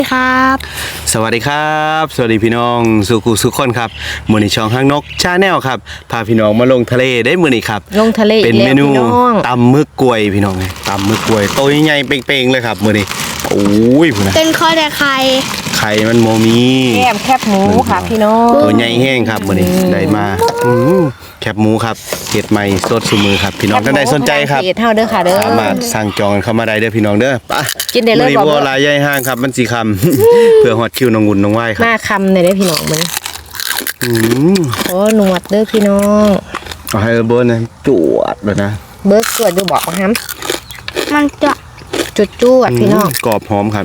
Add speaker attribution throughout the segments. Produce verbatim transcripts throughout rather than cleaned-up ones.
Speaker 1: ครับ
Speaker 2: สวัสดีครับสวัสดีพี่น้องสุขุสุขคนครับมื้อนี้ช่องห้างนกชาแนลครับพาพี่น้องมาลงทะเลได้มื้อนี้ครับ
Speaker 1: ลงทะเล
Speaker 2: เป็นเมนู
Speaker 1: ต
Speaker 2: ตำมึกกล้วยพี่น้องตำมึกกล้วยโตใหญ่ๆเป่งๆเลยครับมื้อนี้โอ้ยพุ่นน่ะ
Speaker 1: เป็นข้อแต่ไข่
Speaker 2: ไข่มันโมมี
Speaker 1: แคบแคบหมูค่ะพี่น้อง
Speaker 2: ตัวใหญ่แห้งครับมื้อนี้ได้มาอื้อแคบหมูครับเฮ็ดใหม่สดซุมือครับพี่น้องท่านใดสนใจครับ
Speaker 1: เท่าเด้อค่ะเด้อ
Speaker 2: สามารถสั่งจองเข้ามาได้เด้อพี่น้องเด้อไป
Speaker 1: กินได้เลย
Speaker 2: มื้อนี้
Speaker 1: บอก
Speaker 2: บัว
Speaker 1: เลย
Speaker 2: ลายใหญ่ห้างครับมันสิคำ เพื่อฮอดคิวน้องวุ่นน้องไหว้ครับ
Speaker 1: หน้าคำเลยเด้อพี่น้องมัน
Speaker 2: อืม
Speaker 1: โอ้หนวดเด้อพี่น้อง
Speaker 2: เอาให้เบิร์นนะจวดเลยนะ
Speaker 1: เบิร์กเกิดดูบอกฮัม
Speaker 3: มันจะ
Speaker 1: จุดจวดพี่น้อง
Speaker 2: กรอบหอมครับ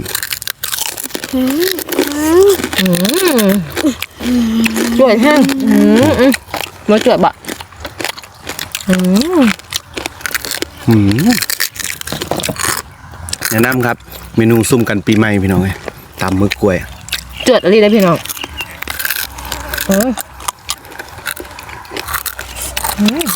Speaker 1: จวดแห้งอืมอืมมาจวดบ่อืม
Speaker 2: หืมแนะนำครับ เมนูซุ่มกันปีใหม่พี่น้องไงตำมึกกล้วย
Speaker 1: จวดอะไรได้พี่น้องอืมอืม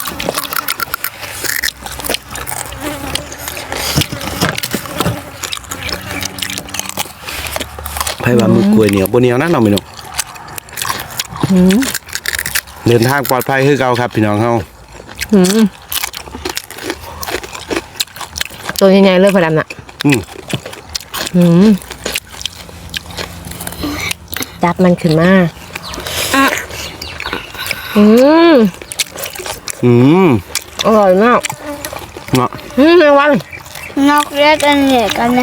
Speaker 2: ไผ่ว่ามึกกล้วยเหนียวบนเหนียวนั่นเราพี่น้อง
Speaker 1: อืม
Speaker 2: เดินทางปลอดภัยคือเก่าครับพี่น้องเฮา
Speaker 1: อืมตัวใหญ่ๆเลยพอดำน่ะ
Speaker 2: อืม
Speaker 1: อืมจับมันขึ้นมาอืม
Speaker 2: อืม
Speaker 1: อร่อยมาก
Speaker 2: เนาะ
Speaker 1: อืมแมงวัน
Speaker 3: นอกเรียกกันเนี่ยกันนะ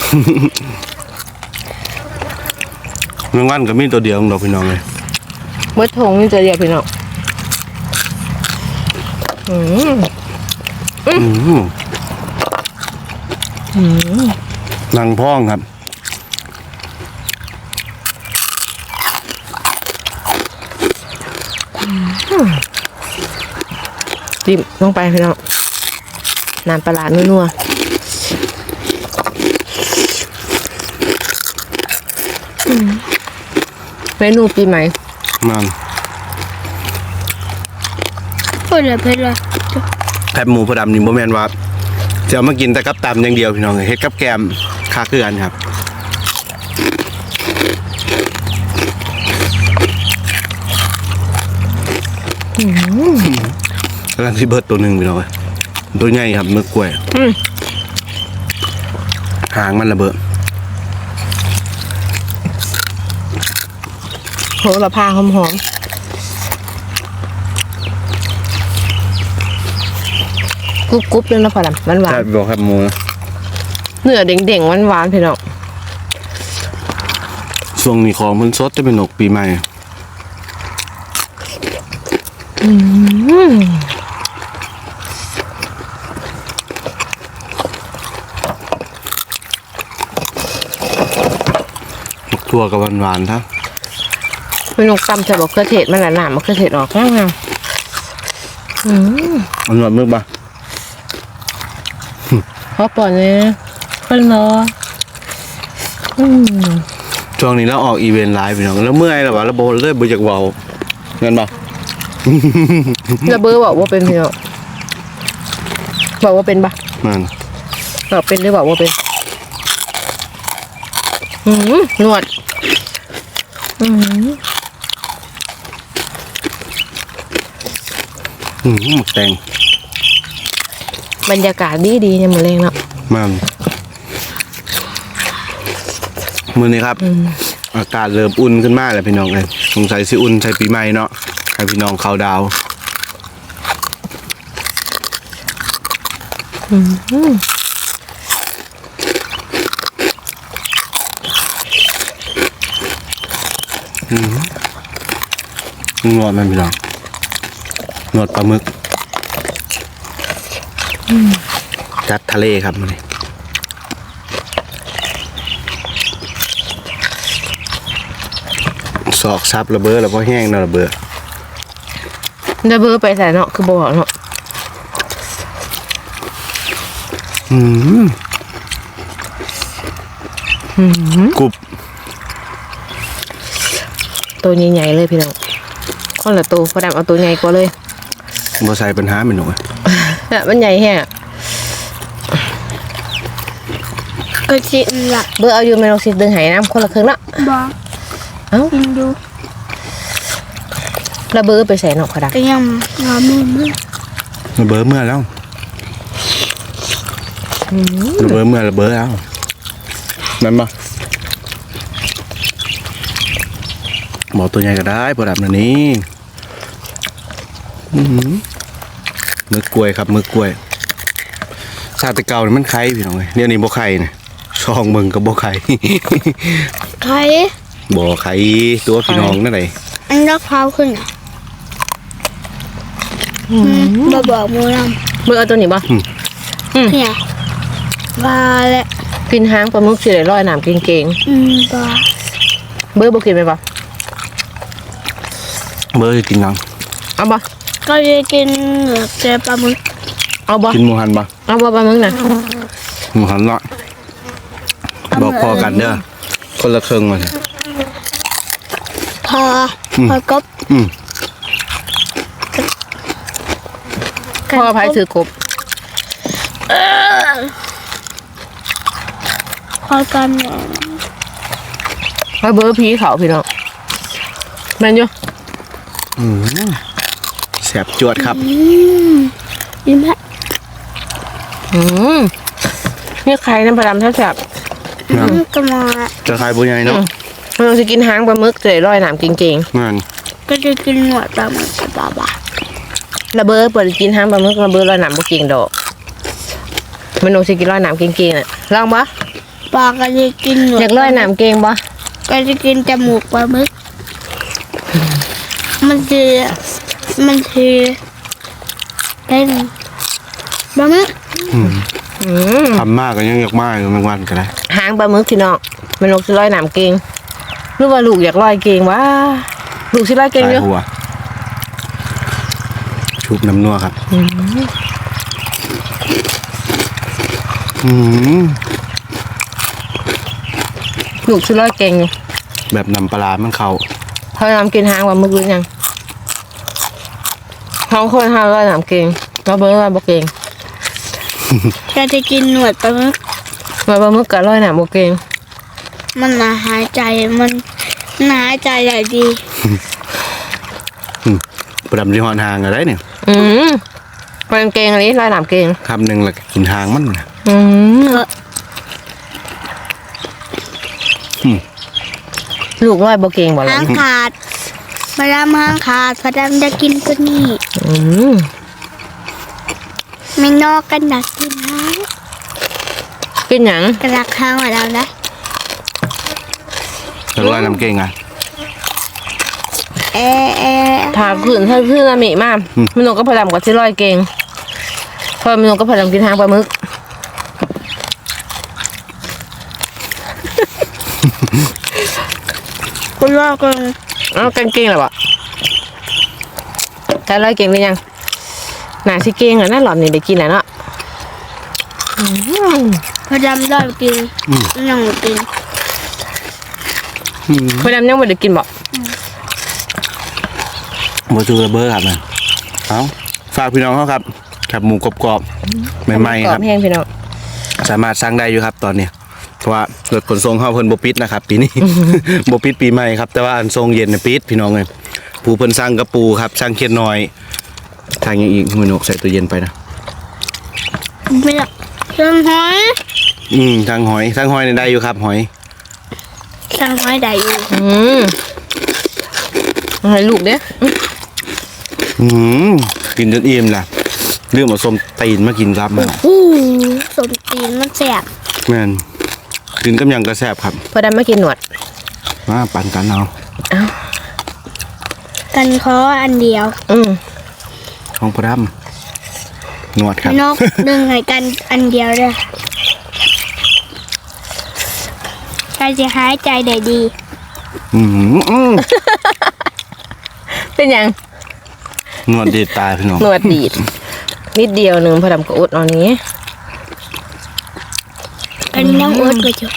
Speaker 2: เมื่อวันก็มีตัวเดียวของเราพี่น้องเลย
Speaker 1: เมื่อทงนี่จะเรียกพี่น้องอืม
Speaker 2: อืมนังพ่องครับ
Speaker 1: จิ้มลงไปพี่น้องน้ำปลาร้านัวๆเมนูปีใหม่
Speaker 2: มัน
Speaker 3: พูดเลยพูดเลย
Speaker 2: แคบหมูพอดำนี่บ่แม่นว่าจะเอามากินแต่กับตำอย่างเดียวพี่น้องเลยเฮ็ดกับแกมค่าคือกันครับกำลังที่เบิร์ดตัวหนึ่งพี่น้องเลยตัวใหญ่ครับมึกกล้วย
Speaker 1: อืม
Speaker 2: หางมันระเบิด
Speaker 1: โหระพาหอมๆกรุบๆเลยนะพอดำหวาน
Speaker 2: ใช่บอกครับหมูนะ
Speaker 1: ๆเนื้อเด้งๆหวานๆพี่น้อง
Speaker 2: ช่วงนี้ของมันสดจะเป็นหนกปีใหม่หมกทั่วกับหวานๆครับ
Speaker 1: พี่น้องตำใส่บอกเครือเทศมันละหนามมันเครือเทศออกงามๆอืม
Speaker 2: มันหวานมึกปะ
Speaker 1: พอปอนเลยคนรออืม
Speaker 2: ช่วงนี้เราออกอีเวนต์ไลฟ์พี่น้องแล้วเมื่อยแล้ววะแล้วโบเลื่อยบุจากเบาเงินปะ
Speaker 1: ระเบ้อบอกว่าเป็นพี่น้องบอกว่าเป็นปะ
Speaker 2: มัน
Speaker 1: บอกเป็นหรือบอกว่าเป็นอืมหนวดอืม
Speaker 2: อืมหมกแตง
Speaker 1: บรรยากาศดีดีๆเนี่ยเหมือนเองเนาะ
Speaker 2: มันมือนี้ครับ อากาศเริ่มอุ่นขึ้นมากเลยพี่น้องเลยสงสัยสิอุ่นใช้ปีใหม่เนาะให้พี่น้องเขาดาวนวดมันพี่น้องนวดปลาหมึกจัดทะเลครับมันนี่สอกซับระเบ้อแล้วพอแห้งเนาะระเบ้อ
Speaker 1: ระเบ้อไปใส่เนาะคือบอกเนาะ
Speaker 2: อืมกรุบ
Speaker 1: ตัวใหญ่ๆเลยพี่น้องคนละตัวพอดำเอาตัวใหญ่กว่าเลย
Speaker 2: บ่ใส่ปัญหาไม่หนู
Speaker 1: เนี่ยมันใหญ่แฮะ
Speaker 3: ก็ชิมละ
Speaker 1: เบอร์เอาอยู่แม่นกสิดึงให้น้ำคนละครึ่งเนาะ
Speaker 3: บอก
Speaker 1: เอ้า
Speaker 3: กินดู
Speaker 1: แล้วเบอร์ไปใส่นอกกระดัก
Speaker 3: ก็ยังงอมือมือ
Speaker 2: ระเบิดเมื่อแล้วระเบิดเมื่อระเบิดแล้วนั่นปะหมอตัวใหญ่ก็ได้พอดับนันนี้อื้อหือมือกล้วยครับมือกล้วยชาติเก่านี่มันไข่พี่น้องเลยเดี๋ยวนี้บ่ไข่เนี่ยช่องมึงกับบ่ไข่
Speaker 3: ใคร
Speaker 2: บ่ไข่ตัวพี่น้องนั่นไง
Speaker 3: อันรักเท้าขึ้นอ่ะมาบอกมูล
Speaker 1: เบอร์เอาตัวนี้บ่
Speaker 3: ำเนี่ยบาและ
Speaker 1: กินหางปลาหมึกสิได้ร้อยน้ำเก่ง
Speaker 3: อืมบา
Speaker 1: ๆเบอร์บ่กินไปบ่
Speaker 2: เบอร์จะกินยัง
Speaker 1: เอาบ่
Speaker 3: ก็จะกินเหลือแต่ปลาหมึก
Speaker 1: เอาบ่
Speaker 2: กินหมูหันปะ
Speaker 1: เอาบ่ปลาหมึกน่ะ
Speaker 2: หมูหันละบอกพอกันเด้อคนละครึ่งมาเถอะ
Speaker 3: พอพอกบ
Speaker 2: อืม
Speaker 1: พ่อพายถือกบ
Speaker 3: พอกันเนี่ย
Speaker 1: เอาเบอร์ผีเขาพี่น้องแม่นอยู่
Speaker 2: อืมแสบจวดครับ
Speaker 3: ยิ้มฮะ
Speaker 1: อืมนี่ใครน้ำปลาดำแซ่บ
Speaker 2: นะ
Speaker 3: ก็มา
Speaker 2: จะขายบุญใหญ่เนาะ
Speaker 1: ๆเราจะกินหางปลาหมึกจะได้ร้อยน้ำเก่ง
Speaker 2: งาน
Speaker 3: ก็จะกินหนวดปลาหมึกกับบาบา
Speaker 1: ๆระเบอร์เปิดกินหางปลาหมึกระเบอร์ร้อยน้ำบ่เก่งดอกมันโนสิกินร้อยน้ำเก่งๆน่ะลองบ่
Speaker 3: ปลาก็จะกินหนวด
Speaker 1: อยากร้อยน้ำเก่งบ่
Speaker 3: ก็จะกินจมูกปลาหมึกมันคือมันคือเป็นปลาหมึก
Speaker 1: อืม
Speaker 2: ทำมากก็ยังอยากมากอยู่บางวันก็ได้
Speaker 1: หางปลาหมึกพี่น้องมันโนสิร้อยน้ำเก่งหรือว่าลูกอยากร้อยเก่งวะลูกสิร้อยเก่ง
Speaker 2: ตา
Speaker 1: อย ยู่
Speaker 2: หัวชุบน้ำนัวครับอืม
Speaker 1: ลูกสิร้อยเก่งอยู่
Speaker 2: แบบน้ำปลาร้ามันเข้า
Speaker 1: เขาทำกินหางปลาหมึกหรือยังท้องคนห้าร้อยน้ำเก่งระเบอร์ร้อยบ่เก่ง
Speaker 3: ก็จะกินหนวดปลาหมึก
Speaker 1: มาปลาหมึกกับร้อยน้ำบ่เก่ง
Speaker 3: มันน่าหายใจมันน่าหายใจใหญ่ดี
Speaker 2: ประดำที่หอนหางอะไรเนี่ย
Speaker 1: อืมมันเก่งอันนี้ร้อยน้ำเก่ง
Speaker 2: คำหนึ่งแล้วก็กินหางมันน่ะ
Speaker 1: อืมลูกร้อยบ่เก่งบ่ล่ะ
Speaker 3: หางขาดพระดำหางขาดพระดำจะกินตัวนี้
Speaker 1: อืม
Speaker 3: ไม่นอกกันดักกินหาง
Speaker 1: กินหยัง
Speaker 3: กระดักหางของเรานะ
Speaker 2: แล้วก็น้ำเก่งอ่ะ
Speaker 3: เอะเอะ
Speaker 1: ถ้าขึ้นถ้าขึ้นอะมิมากมันนก็พยายามกับที่ร้อยเก่งเพราะมันนก็พยายามกินหางปลาหมึก
Speaker 3: คุณว่ากัน
Speaker 1: เอากันเก่งหรอวะแต่ร้อยเก่งหรือยังหนาสิเก่งอ่ะน่าหลอนนี่ได้กินแล้วเนาะอืม
Speaker 3: พระดำได้กินยังไม่กิน
Speaker 1: พยายามยังไม่ได้กินบ่
Speaker 2: หมูจูระเบ้อครับนะเอาฝากพี่น้องเขาครับแคบหมูกรอบๆใหม่
Speaker 1: ก
Speaker 2: ๆ
Speaker 1: ร
Speaker 2: ค
Speaker 1: อ
Speaker 2: รั
Speaker 1: บบ แห้งพี่น้อง
Speaker 2: สามารถสั่งได้อยู่ครับตอนนี้เพราะว่ารถขนส่งเข้าเพิ่นบ่ปิดนะครับปีนี้ บ่ปิดปีใหม่ครับแต่ว่าอันทรงเย็นน่ะปิดพี่น้องเลยปูเพิ่นสั่งกระปูครับสั่งเคียดน้อยทางยังอีกมือนกใส่ตัวเย็นไปนะ
Speaker 3: ไม่ละสั่งหอย
Speaker 2: อืมทางหอยทางหอยนี่ได้อยู่ครับหอย
Speaker 3: สั่งหอยได้อยู่
Speaker 1: อืมเอาให้ลูกเด้อ
Speaker 2: อืมกินจนอิ่มล่ะเรื่องมาส้มตีนมากินครับมา
Speaker 3: อู้สมตีนมันแสบ
Speaker 2: แม่นกินกับหยังกระแซบครับ
Speaker 1: พอดำมากินหนวด
Speaker 2: มาปั่นกันเอา
Speaker 3: กันคออันเดียว
Speaker 1: อืม
Speaker 2: ของพระดำหนวดครับ
Speaker 3: นกดึงให้กันอันเดียวเลยใครจะหายใจได้ดี
Speaker 2: อืมอืม
Speaker 1: เป็นหยัง
Speaker 2: หนวดดีดตายพี่น้อง
Speaker 1: หนวดดีดนิดเดียวหนึ่งพอดำก็อดเอานี้
Speaker 3: กันยังอดไปจุ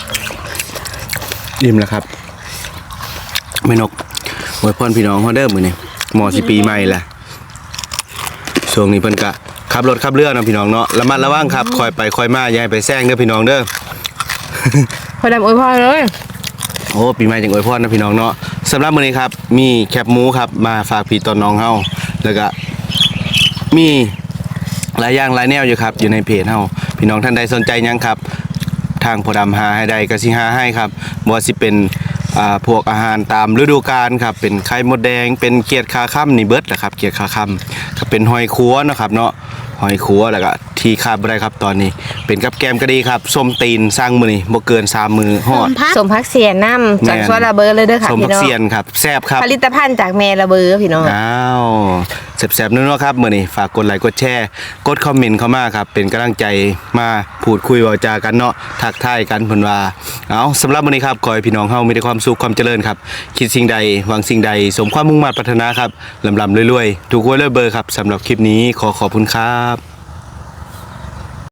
Speaker 2: อิ่มแล้วครับแม่นกอวยพรพี่น้องเขาเด้อมื้อนี้หมอสิปีใหม่ละช่วงนี้เพิ่นกะขับรถขับเรือเนาะพี่น้องเนาะระมัดระวังครับคอยไปคอยมาอย่าให้ไปแซงเด้อพี่น้องเด้อ
Speaker 1: พอดำอวยพรเลย
Speaker 2: โอ้ปีใหม่จังอวยพรนะพี่น้องเนาะสำหรับมื้อนี้ครับมีแคบหมูครับมาฝากพี่ตอนน้องเฮาแล้วก็มีหลายอย่างหลายแนวอยู่ครับอยู่ในเพจเฮาพี่น้องท่านใดสนใจหยังครับทางพอดำหาให้ได้ก็สิหาให้ครับบ่ว่าสิเป็นอ่าพวกอาหารตามฤดูกาลครับเป็นไข่มดแดงเป็นเกียดคาค่ำนี่เบิดแหละครับเกียดคาค่ำก็เป็นหอยคัวเนาะครับเนาะหอยคัวแล้วก็ที่ขาดบ่ได้ครับตอนนี้ เป็นกับแกมก็ดีครับส้มตีนสร้างมื้อนี้บ่เกินสามมื้อฮอด
Speaker 3: พัก
Speaker 1: สมพักเสียน้ำจาก
Speaker 2: แม่น
Speaker 1: สวนระเบิดเลยเด้อค่ะ
Speaker 2: ส้ม
Speaker 1: พี่
Speaker 2: ผัก
Speaker 1: น้อง
Speaker 2: เสียนครับแซ่บครับ
Speaker 1: ผลิตภัณฑ์จากแม่ระเบิดพี่น้อง
Speaker 2: อ้าวแซ่บๆนัวๆครับมื้อนี้ฝากกดไลค์กดแชร์กดคอมเมนต์เข้ามาครับเป็นกำลังใจมาพูดคุยเว้าจากันเนาะทักทายกันเพิ่นว่าเอาสำหรับมื้อนี้ครับขอให้พี่น้องเฮามีแต่ความสุขความเจริญครับคิดสิ่งใดหวังสิ่งใดสมความมุ่งมั่นปรารถนาครับลำๆรวยๆถูกหวยรวยเบอร์ครับสำหรับคลิปนี้ขอขอบคุณครับ